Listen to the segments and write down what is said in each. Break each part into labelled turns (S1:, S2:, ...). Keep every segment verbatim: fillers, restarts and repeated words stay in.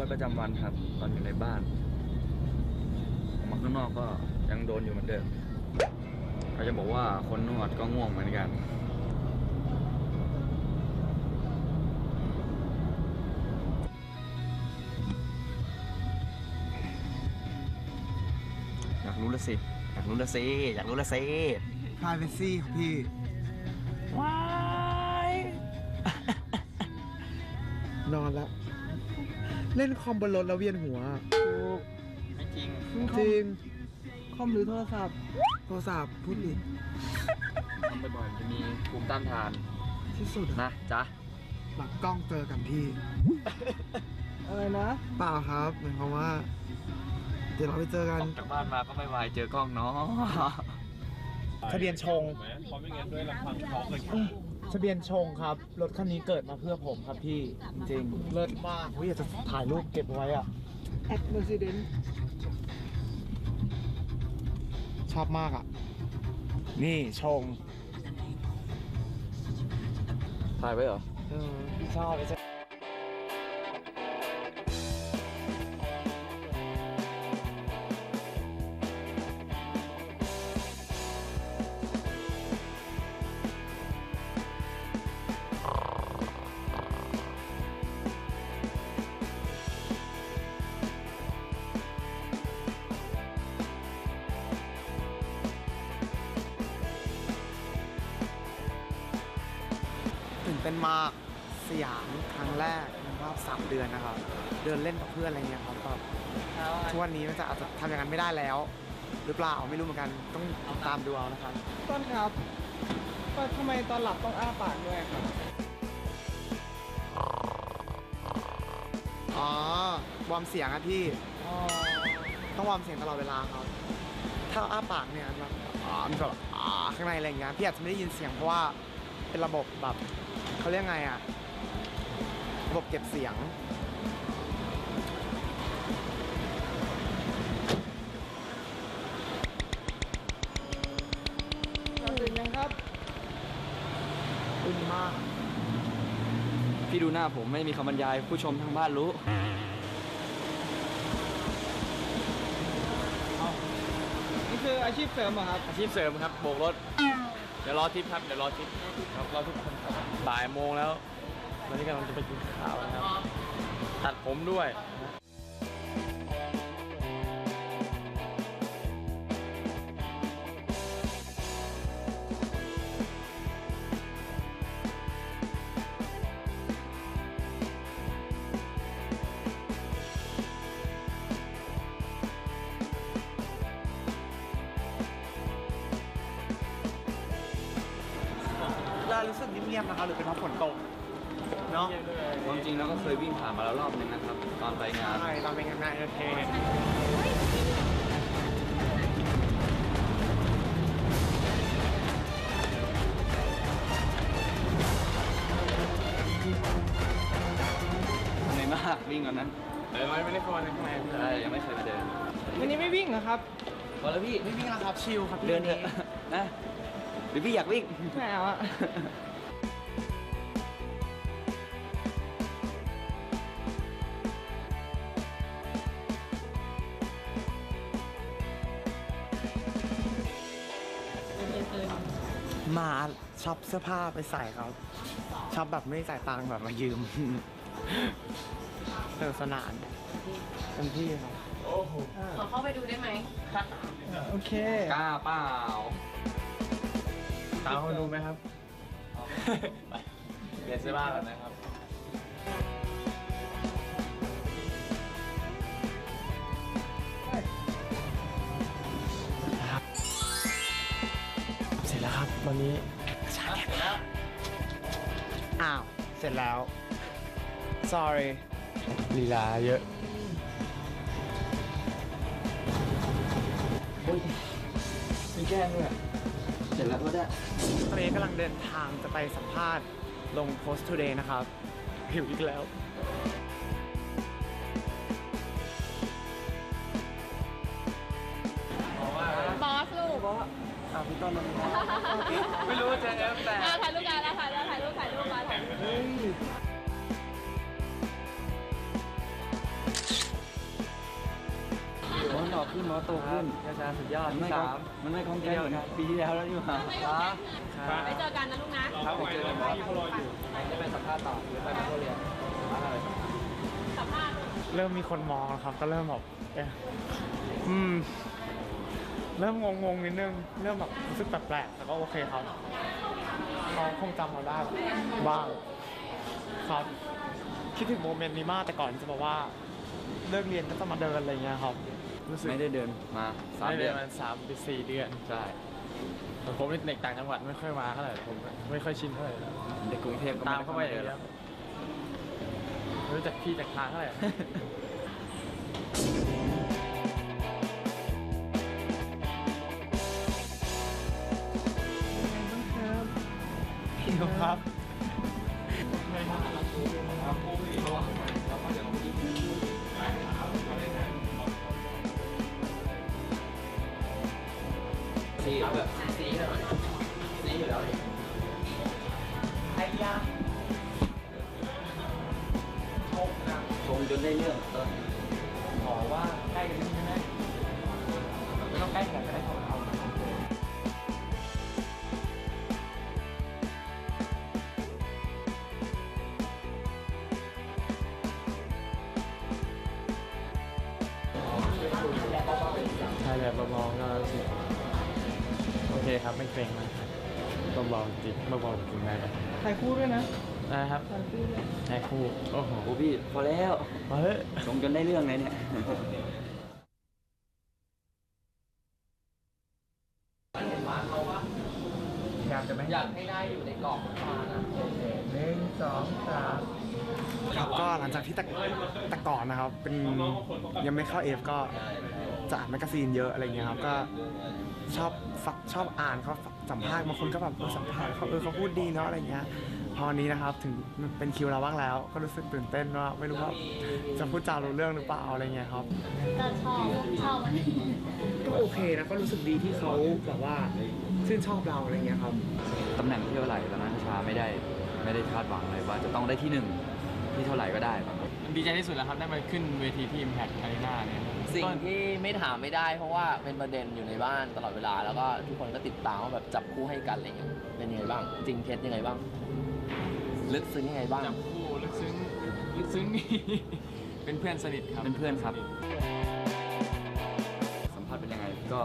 S1: ประจำวันครับตอนอยู่ในบ้านออกมาข้างนอกก็ยังโดนอยู่เหมือนเดิมเขาจะบอกว่าคนนวดก็ง่วงเหมือนกันอยากรู้ละสิอยากรู้ละสิอยากรู้ละสิ
S2: privacy ครับพี่
S1: ว้าย
S2: นอนแล้ว เล่นคอมบนรถแล้วเวียนหัว
S1: ถูกไม่จริง
S2: จริง คอมหรือโทรศัพท์ โทรศัพท์พูดดิ
S1: ทำบ่อยๆจะมีภูมิต้านทาน
S2: ที่สุด
S1: นะจ๊ะ
S2: หลังกล้องเจอกันพี่ อะไรนะ เปล่าครับหมายความว่า เดี๋ยวเราไปเจอกัน
S1: ออกจากบ้านมาก็ไม่ไหวเจอกล้องเนาะ
S2: ทะเบียนชง
S3: เพราะไม่งั้นด้วยลำพังท้องเลย
S2: ทะเบียนชงครับ รถคันนี้เกิดมาเพื่อผมครับพี่ จริงๆเลิศมากผมอยากจะถ่ายรูปเก็บไว้อะแอดเมอร์ซิเดนชอบมากอ่ะ นี่ชง
S1: ถ่ายไว้เหรอ
S2: เออชอบเลย ตื่นเต้นมากสยามครั้งแรกในรอบสามเดือนนะครับ เดินเล่นกับเพื่อนอะไรเงี้ยครับแบบทุกวันนี้มันจะอาจจะทำอย่างนั้นไม่ได้แล้ว หรือเปล่าไม่รู้เหมือนกันต้องตามดูเอานะครับต้นครับก็ทำไมตอนหลับต้องอ้าปากด้วยครับอ๋อวอร์มเสียงอะพี่ต้องวอร์มเสียงตลอดเวลาครับถ้าอ้าปากเนี่ยแบบอ๋อมันแบบอ๋อข้างในอะไรเงี้ยพี่อาจจะไม่ได้ยินเสียงเพราะว่าเป็นระบบแบบเขาเรียกไงอะระบบเก็บเสียงตื่นยังครับตื่นมาก
S1: พี่ดูหน้าผมไม่มีคำบรรยายผู้ชมทางบ้านรู้
S2: นี่คืออาชีพเสริมเหรอครับ
S1: อาชีพเสริมครับโบกรถเดี๋ยวรอทิปครับเดี๋ยวรอทิปครับรอทุกคนครับบ่ายโมงแล้วตอนนี้กำลังจะไปกินข้าวนะครับตัดผมด้วย
S2: เรารู้สึกเงียบๆนะคะหรือเป็นเพราะฝนตกเนาะ
S1: ความจริงแล้วก็เคยวิ่งผ่านมาแล้วรอบนึงนะครับตอนไปงาน
S2: ใช่ตอนเป็นงานโอเค
S1: เหนื่อยมากวิ่งก่อนนั้น
S3: เออไม่ได้เข้ามาในข้างใน
S1: ใช่ยังไม่เคยมาเดิน
S2: วันนี้ไม่วิ่งเหรอครับ
S1: พอแล้วพี่
S2: ไม่วิ่งแล้วครับชิลครับ
S1: เดินเถอะนะหรือพี่อยากวิ่ง
S2: ไม่เอาอะมาช็อปเสื้อผ้าไปใส่ครับช็อปแบบไม่จ่ายตังค์แบบมายืมสนุกสนานเต็มที่ครับ
S4: ขอเข้าไปดูได้ไหม
S2: โอเค
S1: กล้าเปล่า
S2: ตามคนดูไหมครับ
S1: ไปเปลี่ยนเสื้อผ้าก่อนนะครับ
S2: เสร็จแล้วครับวันนี้ชาเสร็จแล้วอ้าว เสร็จแล้ว sorry ลีลาเยอะมีแก้ด้วย
S1: เสร็จแล้วก็ได้
S2: ตอนนี้กำลังเดินทางจะไปสัมภาษณ์ลง Post Today นะครับหิวอีกแล้ว
S4: บอสลูก
S2: อ้าวพี่ต้นมัน
S1: ไม่รู้จะเอฟแต่
S4: อ่าถ่ายรูปกันแล้วถ่ายแล้วถ่ายรูปถ่ายรูปมาถ่ายรูป
S2: เฮ้ย
S5: ต่อขึ้นมอโตขึ้น
S1: อาจารย์สุดยอด
S5: มันไม่
S1: ที่
S5: คล่อง
S1: สาม
S5: มันไม่คล่องแคล่วเหมือนปีที่แล้วแล้วนี่หว่า
S1: ครับ
S4: ไปเจอกันนะลูกนะ
S1: ครับไปเจอกันครับจะไปสัมภาษณ์ต่อหรือไปเป็นผู้เรียนอะไร
S4: สัมภาษณ์
S2: เริ่มมีคนมองแล้วครับ ก็เริ่มแบบเอ๊ะอืม เริ่มงงๆนิดนึง เริ่มแบบรู้สึกแปลกๆแต่ก็โอเคครับเขาคงจำเราได้บ้างครับคิดถึงโมเมนต์นี้มากแต่ก่อนจะบอกว่าเลิกเรียนก็จะมาเดินอะไรเงี้ยครับรู้สึก
S5: ไม่ได้เดินมาสาม
S1: ไม่
S5: เดื
S1: ได้
S5: อน
S1: มันสามถึงสี่เดือน
S5: ใช่
S1: แต่ผมเป็นเด็กต่างจังหวัดไม่ค่อยมาเท่าไหร่ผมไม่ค่อยชินเท่าไหร่
S5: เด็กกรุงเทพก็
S1: ตามเข้าไป
S5: เดิ
S1: อย่าง
S5: น
S1: เงี้ยไม่รู้จักพี่จากทางเท่าไหร่
S2: หิวครับ
S5: สีแบบสีสีอยู่แล้วชงจนได้เรื่องต้น
S2: ขอว่าใกล้กันนิดนึงได้ไหมไม่ต้องใกล้ขนาดก็ได้ของเรา
S1: ใช่แบบเบาๆก็รู้สึกโอเคครับไม่เกรงมากครับเบาๆจริงเบาๆจริงได้ครับ
S2: ถ่ายคู่ด้วยนะ
S1: นะครับถ่ายคู่โอ้โห
S5: โอ้พี่พอแล้ว
S1: มาเฮ้ย
S5: ชงจนได้เรื่องเลยเนี่ย
S2: อยากจะไม่อยากให้ได้อยู่ในกรอบมานะหนึ่งสองสามครับก็หลังจากที่แต่แต่ก่อนนะครับ เป็นยังไม่เข้าเอฟก็จะอ่านแมกกาซีนเยอะอะไรเงี้ยครับก็ชอบฟักชอบอ่านเขาสัมภาษณ์บางคนก็แบบเออสัมภาษณ์เขาเออเขาพูดดีเนาะอะไรเงี้ยพอนี้นะครับถึงเป็นคิวเราบ้างแล้ว ก็รู้สึกตื่นเต้นว่าไม่รู้ว่าจะพูดจารู้เรื่องหรือเปล่าอะไรเงี้ยครับ
S4: ก็ชอบชอบมัน
S2: ก็โอเคนะก็รู้สึกดีที่เขาแบบว่าชื่นชอบเราอะไรเงี้ยครับ
S5: ตำแหน่งที่เท่าไหร่ตอนนั้นชาไม่ได้ไม่ได้คาดหวังเลยว่าจะต้องได้ที่หนึ่งที่เท่าไหร่ก็ได้ครับ
S1: ดีใจที่สุดแล้วครับได้มาขึ้นเวทีที่ Impact Arena เนี่ย
S6: สิ่งที่ไม่ถามไม่ได้เพราะว่าเป็นประเด็นอยู่ในบ้านตลอดเวลาแล้วก็ทุกคนก็ติดตามว่าแบบจับคู่ให้กันอะไรเงี้ยเป็นยังไงบ้าง จริงเท็จยังไงบ้าง ลึกซึ้งยังไงบ้าง
S1: จับคู่ลึกซึ้งลึกซึ้งนี่ เป็นเพื่อนสนิทครับ
S5: เป็นเพื่อนครับ สัมภาษณ์เป็นยังไงก็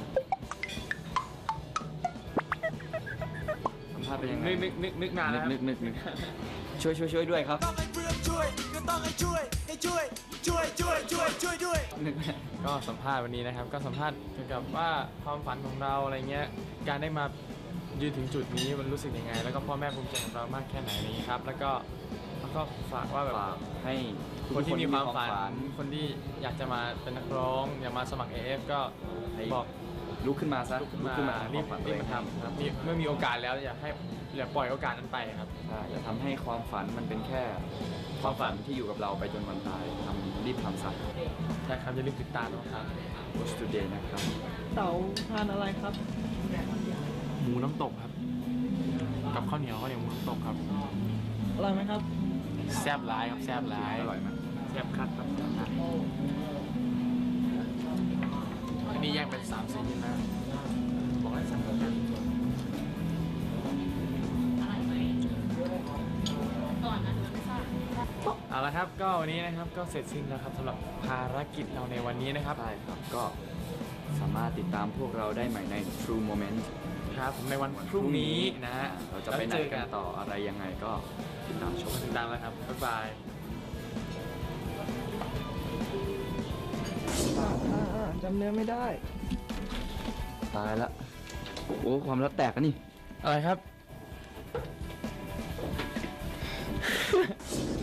S5: สัมภาษณ์เป็นยังไง
S1: นึกนึกนึกนึกนานแล้วครับ
S5: นึกนึกนึกช่วยช่วยช่วยด้วยครับ
S7: ต้องให้เพื่อนช่วยก็ต้องให้ช่วยให้ช่วยช่วยช่วยช่วยช่วยด้วย
S5: นึก
S1: ก็สัมภาษณ์วันนี้นะครับ ก็สัมภาษณ์เกี่ยวกับว่าความฝันของเราอะไรเงี้ยการได้มายืนถึงจุดนี้มันรู้สึกยังไง แล้วก็พ่อแม่ภูมิใจกับเรามากแค่ไหนอะไรอย่างนี้ครับ แล้วก็แล้วก็ฝากว่าแบบ
S5: ฝากให้
S1: คนที่มีความฝัน
S5: ฝัน
S1: คนที่อยากจะมาเป็นนักร้องอยากมาสมัคร เอ เอฟ ก็
S5: ให้
S1: บอก
S5: ลุกขึ้นมาซะ
S1: ลุกขึ้นมา
S5: ทำ
S1: รี
S5: ควา
S1: บ
S5: มฝันตัว
S1: รี
S5: เอบ ง
S1: มาทำครับนี่เมื่อมีโอกาสแล้วอย่าให้อย่าปล่อยโอกาสนั้นไปครับ
S5: ใช่อย่าทำให้ความฝันมันเป็นแค่ความฝันที่อยู่กับเราไปจนวันตายทำรีบทำซะ
S1: ใช่ครับอย่าลืมติดตามนะครับ
S5: Watch Today นะครับ
S2: เต๋าทานอะไรครับ
S1: หมูน้ำตกครับ กับข้าวเหนียวข้าวเหนียวหมูน้ำตกครับ
S2: อร่อยไหมครับ
S1: แซ่บร้ายครับแซ่บร้าย
S5: อร่อยไหม
S1: แซ่บคัดครับอันนี้แยกเป็นสามสี่นะบอกให้สั่งกัน
S4: ก่อนนะไม่ทราบ
S1: เอาละครับก็วันนี้นะครับก็เสร็จสิ้นแล้วครับสำหรับภารกิจเราในวันนี้นะครับ
S5: ใช่ครับ ก็สามารถติดตามพวกเราได้ใหม่ใน True Moment
S1: ครับผมในวันพรุ่งนี้นะฮะ
S5: เราจะไปไหนกันต่ออะไรยังไงก็ติดตามชม
S1: ติดตามแล้วครับ บ๊ายบาย
S2: จำเนื้อไม่ได้
S5: ตายละโอ้ความรักแตกกันนี่
S1: อะไรครับ
S2: น